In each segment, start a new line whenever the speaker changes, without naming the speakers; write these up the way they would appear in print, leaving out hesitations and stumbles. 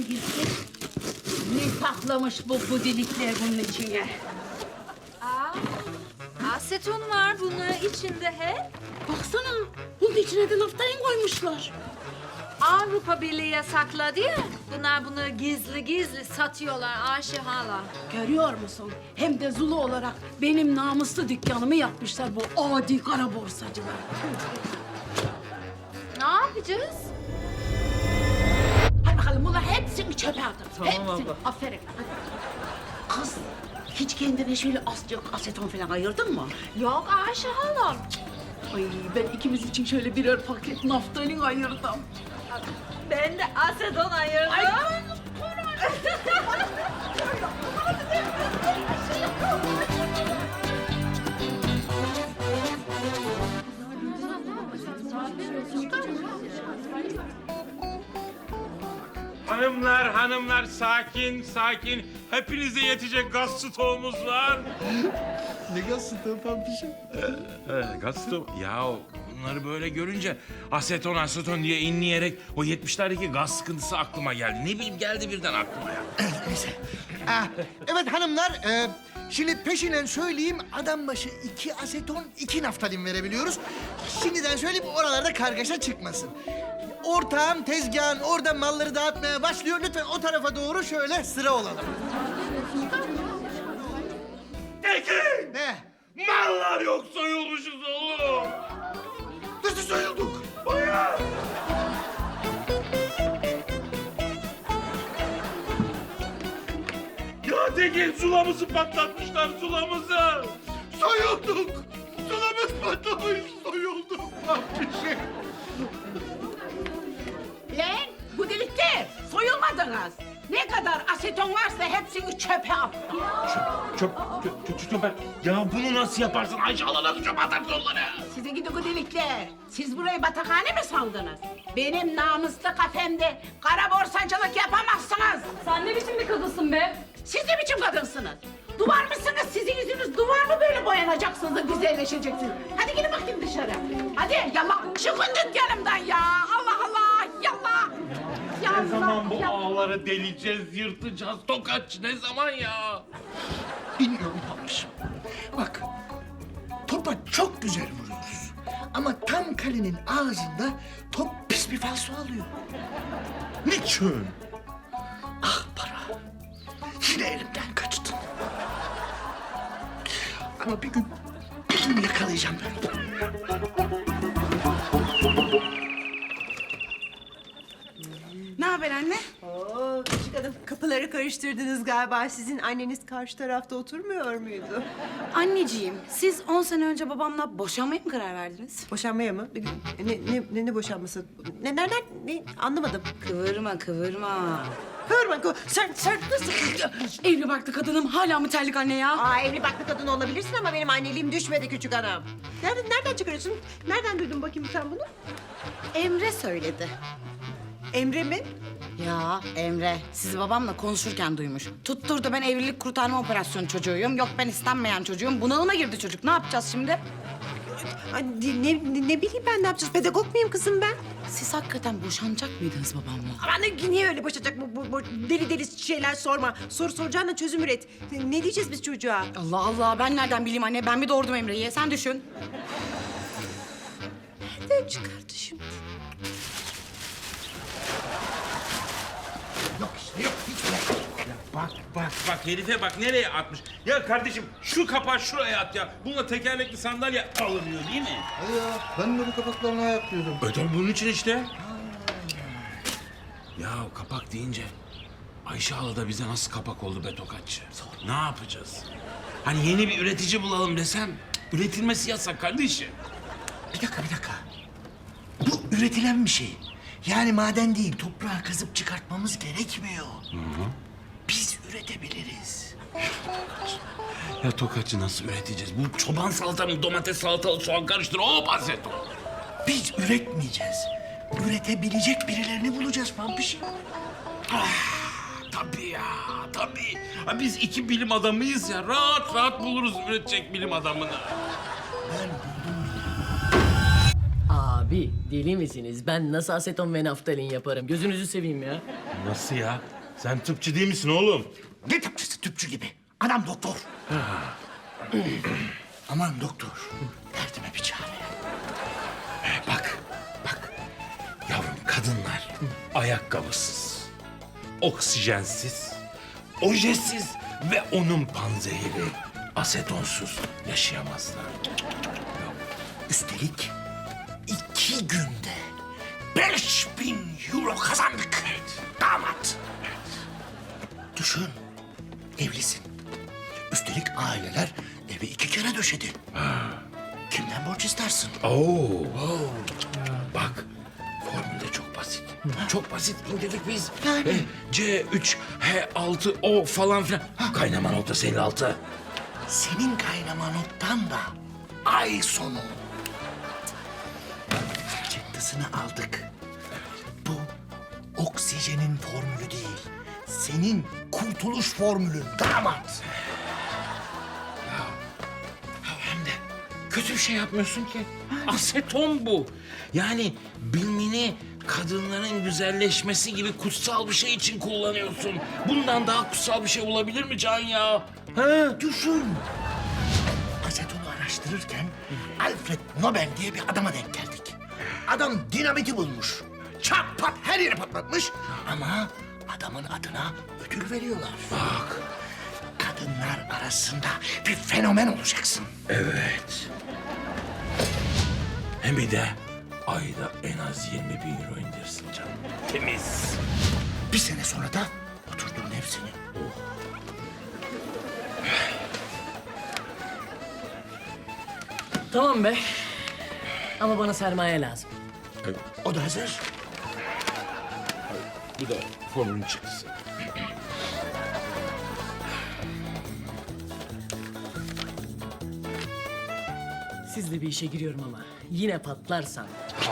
girsek? Ne saklamış bu budilikler bunun içine?
Aseton var bunun içinde he.
Baksana, bunun içine de naftalin koymuşlar.
Avrupa Birliği yasakladı ya. Bunlar bunu gizli gizli satıyorlar Ayşe hala.
Görüyor musun? Hem de zulu olarak benim namuslu dükkanımı yapmışlar bu adi kara borsacılar.
Ne yapacağız?
Hadi bakalım bunlar hepsini çöpe atın.
Tamam
hepsini.
abla.
Aferin. Hadi. Kız, hiç kendine şöyle azıcık aseton falan ayırdın mı?
Yok Ayşe hala.
Ay ben ikimiz için şöyle birer paket naftalin ayırdım.
Ben de aseton ayırdım.
Ay,
Hanımlar sakin sakin. Hepinize yetecek gaz stoğumuz var.
Ne gaz stoğu Pampişim?
Gaz stoğu. Ya bunları böyle görünce aseton diye inleyerek o 70'lerdeki gaz sıkıntısı aklıma geldi. Ne bileyim geldi birden aklıma ya.
Neyse. Evet hanımlar, şimdi peşinen söyleyeyim, adam başı 2 aseton, 2 naftalin verebiliyoruz. Şimdiden söyleyeyim, oralarda kargaşa çıkmasın. Ortağım tezgahın orada malları dağıtmaya başlıyor. Lütfen o tarafa doğru şöyle sıra olalım.
Tekin!
Ne?
Mallar yok soyulmuşuz oğlum.
Nasıl soyulduk?
Bayağı. Ya Tekin sulamızı patlatmışlar sulamızı.
Soyulduk. Sulamız patlamış, soyulduk. Pampişim.
Lan bu delikte soyulmadınız. Ne kadar aseton varsa hepsini çöpe attım.
Çöp. Ya bunu nasıl yaparsın? Ayşe Allah'la çöp atarsın onları.
Size gidi bu delikler. Siz burayı batakhane mi sandınız? Benim namuslu kafemde kara borsacılık yapamazsınız.
Sen ne biçim bir kadınsın be?
Siz ne biçim kadınsınız? Duvar mısınız? Sizin yüzünüz duvar mı böyle boyanacaksınız da güzelleşeceksiniz? Hadi gidin bakayım dışarı. Hadi yallah çıkın dükkanımdan ya. Allah Allah yallah.
Ne zaman bu ağları deleceğiz, yırtacağız? Tokaç ne zaman ya?
Bilmiyorum Pampişim. Bak, topa çok güzel vuruyoruz. Ama tam kalenin ağzında top pis bir falso alıyor. Niçin? Ah para. Yine elimden kaçtın. Ama bir gün yakalayacağım ben onu.
Ne haber anne?
Oo, küçük hanım kapıları karıştırdınız galiba. Sizin anneniz karşı tarafta oturmuyor muydu?
Anneciğim, siz 10 sene önce babamla boşanmaya mı karar verdiniz?
Boşanmaya mı? Ne boşanması? Nereden? Ne? Anlamadım.
Kıvırma.
Kıvırma. Sen nasıl?
Evli barklı kadınım hala mı terlik anne ya?
Aa, evli barklı kadın olabilirsin ama benim anneliğim düşmedi küçük hanım. Nereden çıkarıyorsun? Nereden duydun bakayım sen bunu?
Emre söyledi.
Emre mi?
Ya Emre, sizi babamla konuşurken duymuş. Tutturdu ben evlilik kurtarma operasyonu çocuğuyum. Yok ben istenmeyen çocuğum. Bunalıma girdi çocuk. Ne yapacağız şimdi?
Ay, ne bileyim ben ne yapacağız? Pedagog muyum kızım ben?
Siz hakikaten boşanacak mıydınız babamla?
Aman niye öyle boşayacak bu deli şeyler sorma. Soru soracağına çözüm üret. Ne diyeceğiz biz çocuğa?
Allah Allah, ben nereden bileyim anne? Ben bir doğurdum Emre'yi. Sen düşün.
Nereden çıkardı şimdi?
Yok işte yok. Hiç bırak.
Bak herife bak nereye atmış. Ya kardeşim şu kapağı şuraya at ya. Bununla tekerlekli sandalye alınıyor değil mi?
Ya ben de bu kapaklarını ayaklıyorum.
Ödem bunun için işte. Ya kapak deyince Ayşe hala da bize nasıl kapak oldu be Tokatçı? Ne yapacağız? Hani yeni bir üretici bulalım desem üretilmesi yasak kardeşim.
Bir dakika. Bu üretilen bir şey. Yani maden değil, toprağı kazıp çıkartmamız gerekmiyor. Biz üretebiliriz.
Ya Tokatçı nasıl üreteceğiz? Bu çoban salata mı domates salatalık soğan karıştır hop aseton.
Biz üretmeyeceğiz. Üretebilecek birilerini bulacağız Pampişim.
Tabii ya tabii. Ha, biz iki bilim adamıyız ya. Rahat buluruz üretecek bilim adamını.
Ben buldum.
Aa
Abi deli misiniz? Ben nasıl aseton ve naftalin yaparım? Gözünüzü seveyim ya.
Nasıl ya? Sen tıpçı değil misin oğlum?
Ne tıpçısı tüpçü gibi? Adam doktor. Aman doktor. Derdime bir çare.
Bak. Yavrum kadınlar ayakkabısız, oksijensiz, ojesiz ve onun panzehiri asetonsuz yaşayamazlar.
Üstelik 2 günde 5.000 euro kazandık. Damat. Düşün. Evlisin. Üstelik aileler evi 2 kere döşedi. Kimden borç istersin?
Oo. Bak formül de çok basit. Çok basit indirdik biz. C3H6O falan filan. Kaynama noktası 56.
Senin kaynama noktan da ay sonu. Çıktısını aldık. Bu oksijenin formülü değil. Senin kurtuluş formülün damat.
Hem de kötü bir şey yapmıyorsun ki. Aseton bu. Yani bilmini kadınların güzelleşmesi gibi kutsal bir şey için kullanıyorsun. Bundan daha kutsal bir şey olabilir mi Can ya? Ha?
Düşün. Asetonu araştırırken Alfred Nobel diye bir adama denk geldik. Adam dinamiti bulmuş. Çat pat her yeri patlatmış. Ama adamın adına ödül veriyorlar.
Bak.
Kadınlar arasında bir fenomen olacaksın.
Evet. Hem bir de ayda en az 20.000 euro indirsin canım. Temiz.
Bir sene sonra da oturduğun ev senin.
Tamam be. Ama bana sermaye lazım.
O da hazır.
Bu da formülün çıktısı.
Sizle bir işe giriyorum ama yine patlarsam.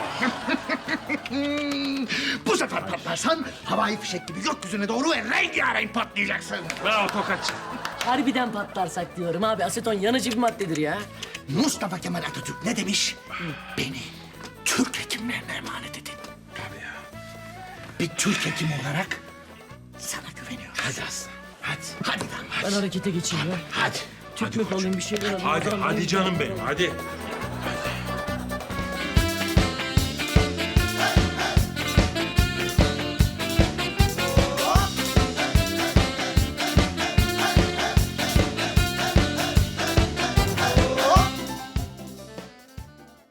Bu sefer patlarsan havai fişek gibi gökyüzüne doğru ve rengarenk patlayacaksın.
Bravo Tokatçı.
Harbiden patlarsak diyorum abi. Aseton yanıcı bir maddedir ya.
Mustafa Kemal Atatürk ne demiş? Beni Türk hekimlerine emanet edin.
Tabii ya.
Bir Türk hekim olarak sana güveniyorum.
Hadi aslan. Hadi.
Hadi lan.
Ben harekete geçeyim ya.
Hadi.
Tüp mü alayım bir şeyler alayım.
Hadi canım benim hadi.